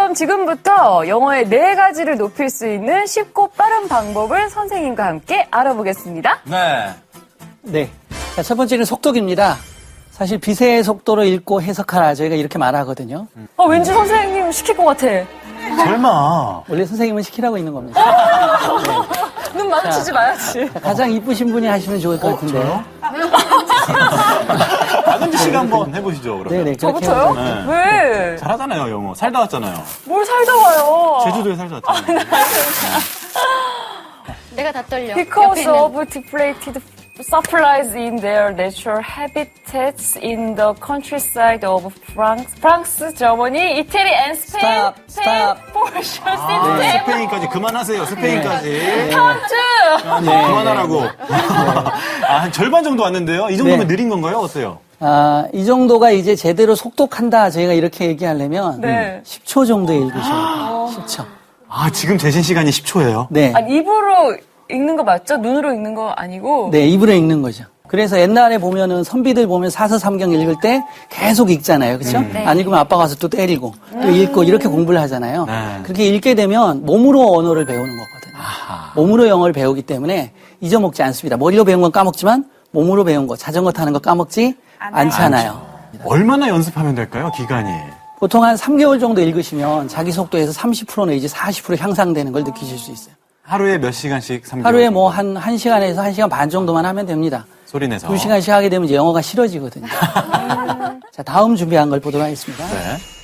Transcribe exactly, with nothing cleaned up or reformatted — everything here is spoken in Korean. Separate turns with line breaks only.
그럼 지금부터 영어의 네 가지를 높일 수 있는 쉽고 빠른 방법을 선생님과 함께 알아보겠습니다.
네.
네. 자, 첫 번째는 속독입니다. 사실 비세의 속도로 읽고 해석하라 저희가 이렇게 말하거든요.
아, 왠지 선생님 시킬 것 같아.
설마.
원래 선생님은 시키라고 있는 겁니다. 네.
눈 마주치지 마야지.
자, 가장 이쁘신 분이 하시면 좋을 것 같은데.
저요? 박은지 씨가 한번 해보시죠, 그러면.
네네. 그렇게
저부터요?
해보죠.
네.
왜?
잘하잖아요, 영어. 살다 왔잖아요.
뭘 살다 와요.
제주도에 살다 왔잖아요.
내가 다 떨려.
Because of depleted supplies in their natural habitats in the countryside of France, France, Germany, Italy, and Spain.
Stop, stop.
Portion
아,
system.
스페인까지 그만하세요, 스페인까지.
타운즈.
아, 네, 그만하라고. 아, 한 절반 정도 왔는데요? 이 정도면
네.
느린 건가요? 어때요?
아, 이 정도가 이제 제대로 속독한다 저희가 이렇게 얘기하려면
네.
십 초 정도 읽으셔야 돼요. 십 초.
아, 지금 재신 시간이 십 초예요?
네.
아니, 입으로 읽는 거 맞죠? 눈으로 읽는 거 아니고?
네, 입으로 읽는 거죠. 그래서 옛날에 보면은 선비들 보면 사서삼경 읽을 때 계속 읽잖아요. 그렇죠?
음.
안 읽으면 아빠가 와서 또 때리고 또 읽고 이렇게 공부를 하잖아요.
네.
그렇게 읽게 되면 몸으로 언어를 배우는 거거든요.
아하.
몸으로 영어를 배우기 때문에 잊어먹지 않습니다. 머리로 배운 건 까먹지만 몸으로 배운 거, 자전거 타는 거 까먹지 않잖아요.
얼마나 연습하면 될까요, 기간이?
보통 한 삼 개월 정도 읽으시면 자기 속도에서 삼십 퍼센트 내지 사십 퍼센트 향상되는 걸 느끼실 수 있어요.
하루에 몇 시간씩? 삼 개월
하루에
정도?
뭐 한, 한 시간에서 한 시간 반 정도만 하면 됩니다.
소리 내서.
두 시간씩 하게 되면 이제 영어가 싫어지거든요. 자, 다음 준비한 걸 보도록 하겠습니다.
네.